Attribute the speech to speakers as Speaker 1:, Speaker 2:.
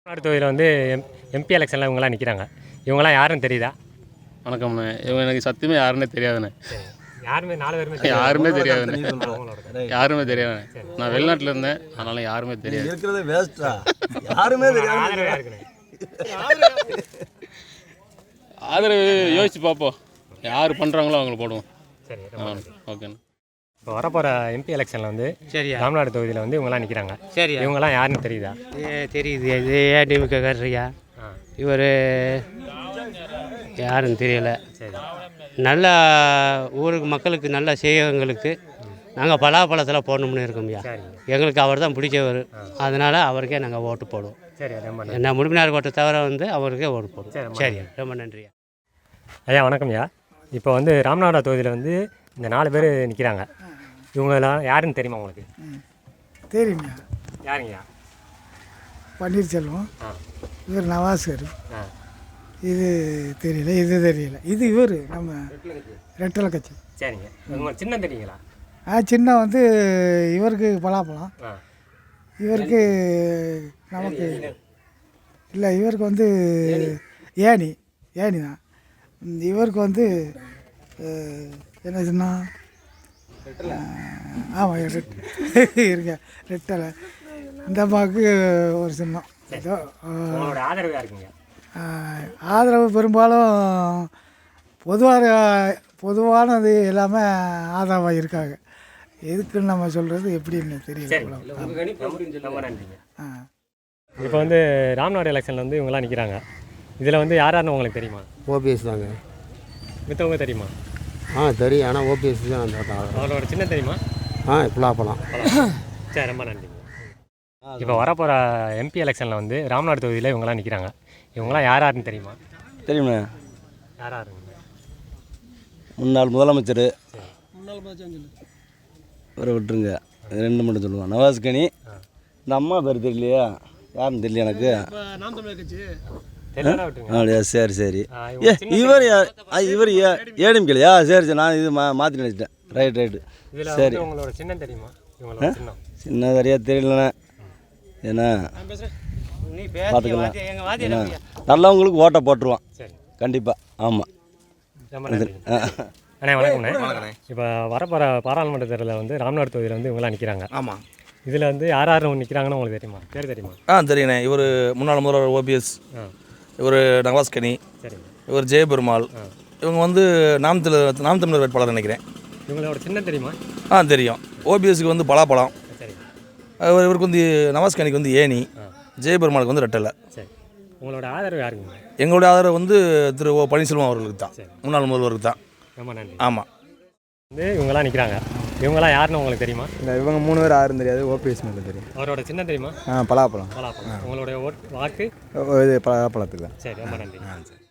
Speaker 1: தமிழ்நாடு தொகுதியில் வந்து எம்பி எலெக்ஷனில் இவங்களாம் நிற்கிறாங்க. இவங்களாம் யாருன்னு தெரியுதா?
Speaker 2: வணக்கம்ண்ணே. இவங்க எனக்கு சத்தியமே யாருன்னே தெரியாதுண்ணே.
Speaker 1: யாருமே 4 பேருமே
Speaker 2: யாருமே தெரியாதுண்ணே. யாருமே தெரியாதுண்ணே. நான் வெளிநாட்டில் இருந்தேன், அதனால யாருமே தெரியாது.
Speaker 3: இருக்கிறதே வேஸ்ட்டா, யாருமே தெரியாது.
Speaker 2: ஆதரவு யோசிச்சு பார்ப்போம், யார் பண்ணுறாங்களோ அவங்களை போடுவோம்.
Speaker 1: சரி,
Speaker 2: ஓகேண்ணே.
Speaker 1: இப்போ வரப்போகிற எம்பி எலெக்ஷனில் வந்து தமிழ்நாடு தொகுதியில் வந்து இவங்களாம் நிற்கிறாங்க. சரி, இவங்களாம் யாருன்னு தெரியுதா?
Speaker 4: தெரியுது. இது ஏடிஎம்கே காரரியா, இவர் யாருன்னு தெரியல.
Speaker 1: சரி,
Speaker 4: நல்ல ஊருக்கு மக்களுக்கு நல்ல செய்யவங்களுக்கு நாங்கள் பலாப்பழத்தில் போடணும்னு இருக்கோம்யா. எங்களுக்கு அவர் தான் பிடிச்சவர், அதனால் அவருக்கே நாங்கள் ஓட்டு போடுவோம்.
Speaker 1: சரி, ரொம்ப
Speaker 4: என்ன முழுமையார் ஓட்டை தவிர வந்து அவருக்கே ஓட்டு போடுவோம். சரி, ரொம்ப நன்றியா.
Speaker 1: ஐயா வணக்கம்யா. இப்போ வந்து ராமநாதபுரம் தொகுதியில் வந்து இந்த 4 பேர் நிற்கிறாங்க. இவங்கெல்லாம் யாருன்னு தெரியுமா உங்களுக்கு?
Speaker 5: தெரியுங்க.
Speaker 1: யாருங்கய்யா?
Speaker 5: பன்னீர்செல்வம், இவர் நவாஸ்கர், இது தெரியல, இது தெரியல, இது இவர் நம்ம ரெட்டலை கட்சி.
Speaker 1: சரிங்க, உங்களுக்கு சின்ன தெரியுங்களா?
Speaker 5: சின்ன வந்து இவருக்கு பலாப்பழம், இவருக்கு நமக்கு இல்லை, இவருக்கு வந்து ஏணி தான். இவருக்கு வந்து என்ன சின்ன, ஆமாம் இருங்க, ரெட்டலை. இந்த அம்மாவுக்கு ஒரு சின்னம். ஏதோ
Speaker 1: ஆதரவு இருக்குங்க.
Speaker 5: ஆதரவு பெரும்பாலும் பொதுவானது எல்லாமே ஆதரவாக இருக்காங்க. எதுக்குன்னு நம்ம சொல்கிறது எப்படின்னு தெரியல.
Speaker 1: இப்போ வந்து ராமநாடு எலெக்ஷனில் வந்து இவங்கெல்லாம் நிற்கிறாங்க. இதில் வந்து யாருன்னு உங்களுக்கு தெரியுமா?
Speaker 6: ஓபிஎஸ் தாங்க.
Speaker 1: மித்தவங்க தெரியுமா?
Speaker 6: தெரியும், ஆனால் ஓபிஎஸ் தான்.
Speaker 1: அவரோட சின்ன தெரியுமா?
Speaker 6: பலாப்பழம்.
Speaker 1: சரி, ரொம்ப நன்றிங்க. இப்போ வரப்போகிற எம்பி எலெக்ஷனில் வந்து ராமநாடு தொகுதியில் இவங்கெல்லாம் நிற்கிறாங்க. இவங்களாம் யாருன்னு தெரியுமா?
Speaker 3: தெரியுமே.
Speaker 1: யாருங்க?
Speaker 3: முன்னாள் முதலமைச்சர். இவரை விட்டுருங்க, 2 மட்டும் சொல்லுவான். நவாஸ்கனி. இந்த அம்மா பேர் தெரியலையா, யாருன்னு தெரியல எனக்கு. அப்படியா? சரி. இவர் ஏடிஎம்கேலையா? சரி, நான் இது மாற்றி நினச்சிட்டேன். ரைட்டு. சரி,
Speaker 1: உங்களோட சின்னம் தெரியுமா?
Speaker 3: சின்ன சரியா தெரியலண்ணே. ஏன்னா பார்த்துக்கலாம், நல்லவங்களுக்கு ஓட்டை போட்டுருவான் கண்டிப்பாக. ஆமாம்.
Speaker 1: அண்ணே வணக்கம்ண்ணே. இப்போ வரப்போகிற பாராளுமன்ற தேர்தலில் வந்து ராமநாடு தொகுதியில் வந்து இவங்களாம் நிற்கிறாங்க.
Speaker 7: ஆமாம்.
Speaker 1: இதில் வந்து யார் நிற்கிறாங்கன்னு உங்களுக்கு தெரியுமா? பேர் தெரியுமா?
Speaker 7: தெரியுண்ணே. இவர் முன்னாள் முதல்வர் ஓபிஎஸ், இவர் நவாஸ்கனி, இவர் ஜெயபெருமாள். இவங்க வந்து நாம் தமிழர் வேட்பாளர் நினைக்கிறேன்.
Speaker 1: இவங்களோட சின்னம் தெரியுமா?
Speaker 7: தெரியும். ஓபிஎஸ்க்கு வந்து பலாப்பழம், இவருக்கு வந்து நவாஸ்கனிக்கு வந்து ஏணி, ஜெயபெருமாளுக்கு வந்து ரெட்டலை.
Speaker 1: சரி, உங்களோட ஆதரவு யாருங்க?
Speaker 7: எங்களுடைய ஆதரவு வந்து திரு ஓ பன்னீர்செல்வம் அவர்களுக்கு தான், முன்னாள் முதல்வருக்கு தான்.
Speaker 1: ரொம்ப நன்றி.
Speaker 7: ஆமாம்.
Speaker 1: வந்து இவங்கெல்லாம் நிற்கிறாங்க. இவங்கெல்லாம் யாருன்னு உங்களுக்கு தெரியுமா?
Speaker 6: இல்லை, இவங்க 3 பேர் யாரும் தெரியாது. ஓபிஎஸ் மட்டும் தெரியும்.
Speaker 1: அவரோட சின்னம் தெரியுமா?
Speaker 6: பலாப்பழம்.
Speaker 1: உங்களுடைய வாக்கு
Speaker 6: இது பலாப்பழத்துக்கு தான்.
Speaker 1: சரி, ரொம்ப நன்றி.